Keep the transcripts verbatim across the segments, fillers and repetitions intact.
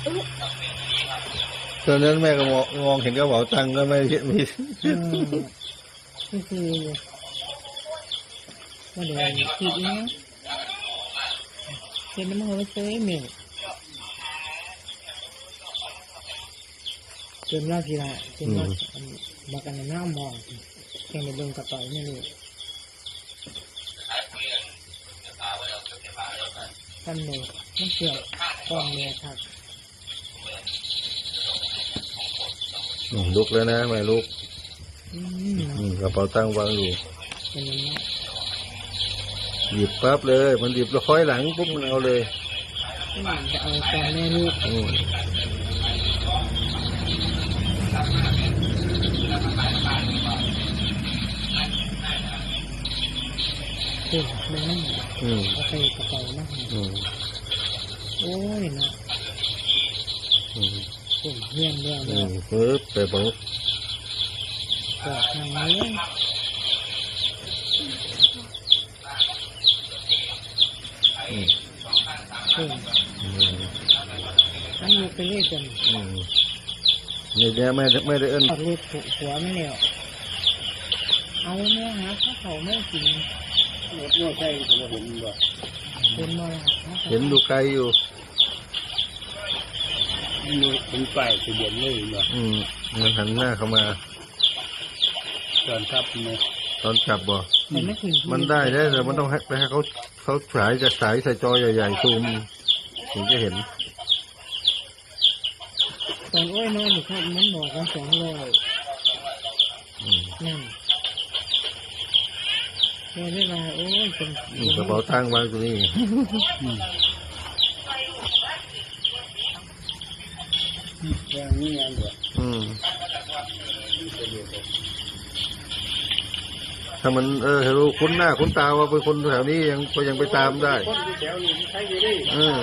ตอนนั้นแม่ก็มองมองเห็นกระเป๋าตังค์ก็ไม่เห็นมีก็คือว่าเดี๋ยวคิดเนี้ยเป็นน้ำมันเต้เมฆจนว่ากี่ละจนว่าบอกกันหน้ามองแค่ในเบื้องกระเป๋าไม่รู้ท่านเลยมันเกี่ยวกองเมียครับลุกแล้วนะไม่ลุกกระเป๋าตังค์วางอยู่หยิบปั๊บเลยมันหยิบแล้วค่อยหลังปุ๊บมันเอาเลยจะเอาตอนแม่ลูกเด็กมันนั่งเอาไปกระเป๋านั่งโอ้ยนะผมเยี่ยมเยี่ยมเลยปึ๊บไปปุ๊บกดทางนี้อันนี้ไปเรื่อยจนนี่แกไม่ไม่ได้เอิ้นลูกถูกหัวไม่เหนียวเอาแม่หาถ้าเขาไม่กินรถไม่ใช่ผมเห็นบ่เห็นมาเห็นดูไกลอยู่มีเป็นป้ายทะเบียนเลยบ่อืมมันหันหน้าเข้ามาตอนขับไหมตอนขับบ่มันได้ได้แต่มันต้องให้ไปให้เขาเขาฉายจะฉายใส่จอใหญ่ๆซูมถึงจะเห็นตอนโอ้ยนอนอยู่ครับมันบอกว่าสองร้อยนั่นเราได้มาโอ้ยเป็นกระเป๋าตังค์วางตรงนี้อย่างนี้อันเดียวอืมถ้ามันเออรู้คุ้นหน้าคุ้นตาว่าเป็นคนแถวนี้ยังก็ยังไปตามได้คนแถวนี้ใช้อยู่ดิเออ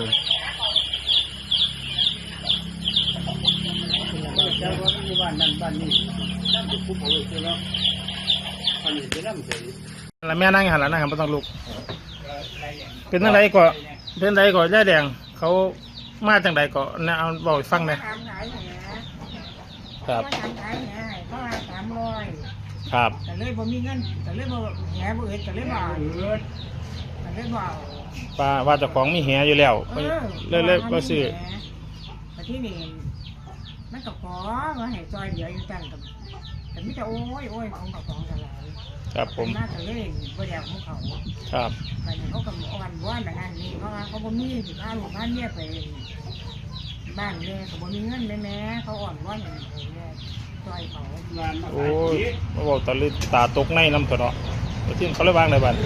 เจ้าว่ามีบ้านนั่นบ้านนี้นั่นเป็นผู้ป่วยใช่ไหมอันนี้เป็นน้ำใสแล้วแม่นั่งหันหลังนะครับไม่ต้องลุกเป็นจังไดก่อเป็นจังไดก่อย่าแดงเขามาจังไดก่อเนี่ยเอาบอกฟังหน่อยครับเขาว่าสามร้อยครับแต่เลยบ่มีเงินแต่เลยบ่แหน่บ่เอ็ดแต่เลยบ่แต่เลยบ่ป้าว่าเจ้าของมีแหอยู่แล้วเลยเลยก็ซื้อแต่ที่นี่มันก็ขอว่าให้ซอยเดียวอยู่จังกับแต่ไม่จะโอ้ยโอ้ยของกับของกันหลายครับผมน่าจะเลยบ่ได้ของเขาครับแต่เขาก็อ่อนว่านแบบนั้นนี่เพราะว่าเขาบ่มีสิพาลูกพาเมียไปบ้านแม่เขาบ่มีเงินแม่เขาอ่อนว่านอย่างนี้ซอยเขาโอ้ยมาบอกตาลิตาตกในน้ำถอดที่เขาเลยว่างในบ้าน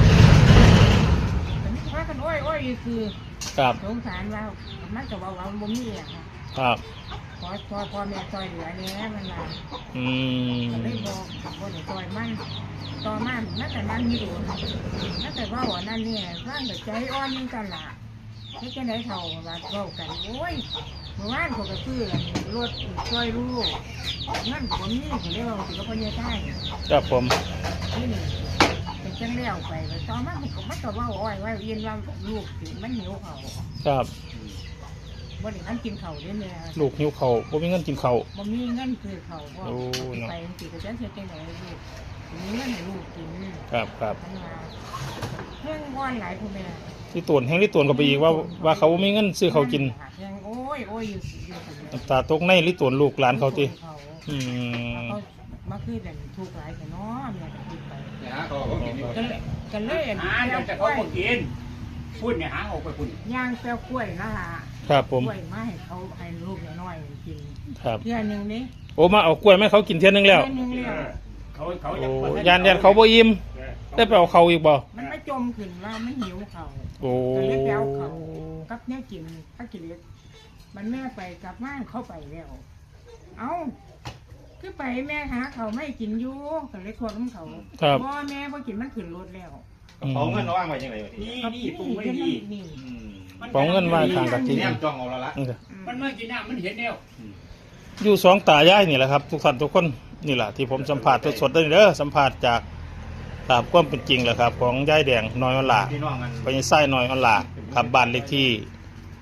แต่นี่พากันโอ้ยโอ้ยคือครับสงสารว่ามันจะว่าว่าบ่มีอ่ะครับพอพอพอแม่ซอยเหลือเนี้ยมันละอืมก็เลยบอกบอกซอยมันต่อมันนั่นแต่นั่นมีดูนั่นแต่ว่าหัวนั่นเนี่ยร่างแต่ใจอ่อนยิ่งกันละไม่แค่ไหนเท่าว่าเท่ากันโอ้ยเมื่อวานเขาก็ซื้อรถซอยลูกนั่นผมนี่เขาเรียกว่าถือว่าคนเยอะใช่ครับผมนี่นี่เป็นจังเลี้ยวไปต่อมามันก็มันก็ว่าอ้อยว่าเย็นว่าลูกถึงมันหิวเขาครับบ่ได้งั้นกินเข่าได้แม่ลูกหิวเข่าบ่มีเงินกินเข่าบ่มีเงินคือเข่าบ่ไปสิก็จะเฮ็ดจังได๋ลูกมีเงินให้ลูกกินครับครับเพิ่งว่อนหลายผู้แม่ที่ตวนแห้งที่ตวนก็ไปอีกว่าว่าเขาบ่มีเงินซื้อเขากินโอ้ยโอ้ยอยู่น้ำตาตกในลิตวนลูกหลานเขาติอืมมาคือแบบถูกหลายแต่เนาะแม่ก็คิดไปกันเลยหาแต่เขาบ่กินพูดเนี่ยหาออกไปคุณย่างแป้วกล้วยนะฮะครับผมกล้วยมาให้เขาให้ลูกน้อยกินครับเทื่อนึงนี่โอ้มาเอากล้วยมาเขากินเทื่อนึงแล้วเขาเขาโอ้ยานยานเขาบ่อิ่มได้ไปเอาเขาอีกบ่มันไม่จมขึ้นว่ามันหิวเขาโอ้ก็เลยไปเอาเขากับแม่กินถ้ากินเล็กมันแม่ไปกลับบ้านเข้าไปแล้วเอ้าคือไปแม่หาเขาไม่กินอยู่ก็เลยควงน้ำเขาพ่อแม่พอกินมันขึ้นรถแล้วของเงินว่างไว้ยังไงนี่นี่ปรุงไว้ดีของเงินว่างทางกะทิเนี่ยจองเอาละมันเมื่อกินน้ำมันเห็นแล้วอยู่สองตายายนี่แหละครับทุกท่านทุกคนนี่แหละที่ผมสัมผัสสดๆได้เด้อสัมผัสจากตามความเป็นจริงแหละครับของยายแดงน้อยออนลาไปยังไส้น้อยออนลาครับบ้านเลขที่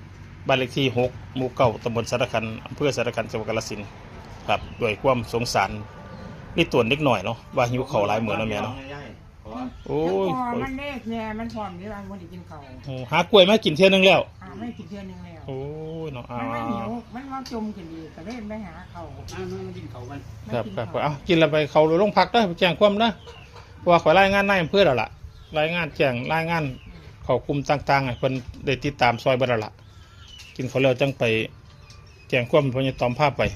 บ้านเลขที่หกหมู่เก้าตำบลสารคันอำเภอสารคันจังหวัดกาฬสินธุ์ครับด้วยความสงสารนี่ตัวเล็กหน่อยเนาะว่าหิวข้าวหลายมื้อแล้วแม่เนาะโอ้ยพอมันเลขเนี่ยมันพร้อมที่ว่ามันได้กินข้าวโอ้หากล้วยมากินเที่ยนึงแล้วอ่าไม่กินเทื่อนึงแล้วโอ้ยเนาะอ่ามันไม่หิวมันว่าจมขึ้นดีก็เล่นไปหาเขาอ้าวมันกินเขากันครับครับเอากินแล้วไปเขาโรงพักเด้อไปแจ้งความนะเพราะว่าขอรายงานนายอำเภอแล้วล่ะรายงานแจ้งรายงานเขาคุมต่างๆให้เพิ่นได้ติดตามซอยเบ่แล้วล่ะกินเขาวแล้วจังไปแจ้งความเพิ่นจะตอมภาพไป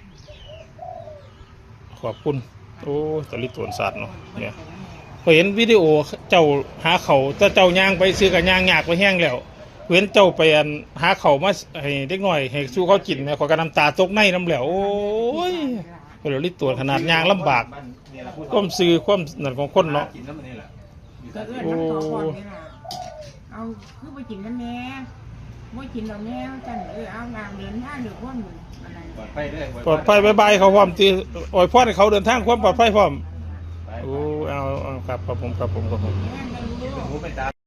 ขอบคุณโอ้ตะลิตวนศาสตร์เนาะเนี่ยพอเห็นวิดีโอเจ้าหาเขาแต่เจ้าย่างไปซื้อกับย่างยากไปแห้งแล้วเห็นเจ้าไปอันหาเขามาให้เด็กน้อยให้สู้เขากินแม่ขอยก็น้ำตาตกในน้ำแล้วโอ้ยเดี๋ยวลิตวนขนาดย่างลำบากความซื้อความนั่นของคนเนาะกินน้ำมันนี่แหละก็เอื้อนน้ำต่อก่อนนี่ล่ะเอาคือไปกินกันแน่ไม่กินเราแน่จันเออเอางานเดินทางหรือพวกหนึ่งอะไรปลอดภัยด้วยปลอดภัยบายบายเขาพร้อมตีโอ้ยพ่อให้เขาเดินทางความปลอดภัยพร้อมโอ้เอาเอาครับครับผมครับผมครับผมแน่ไม่รู้หูเป็นตา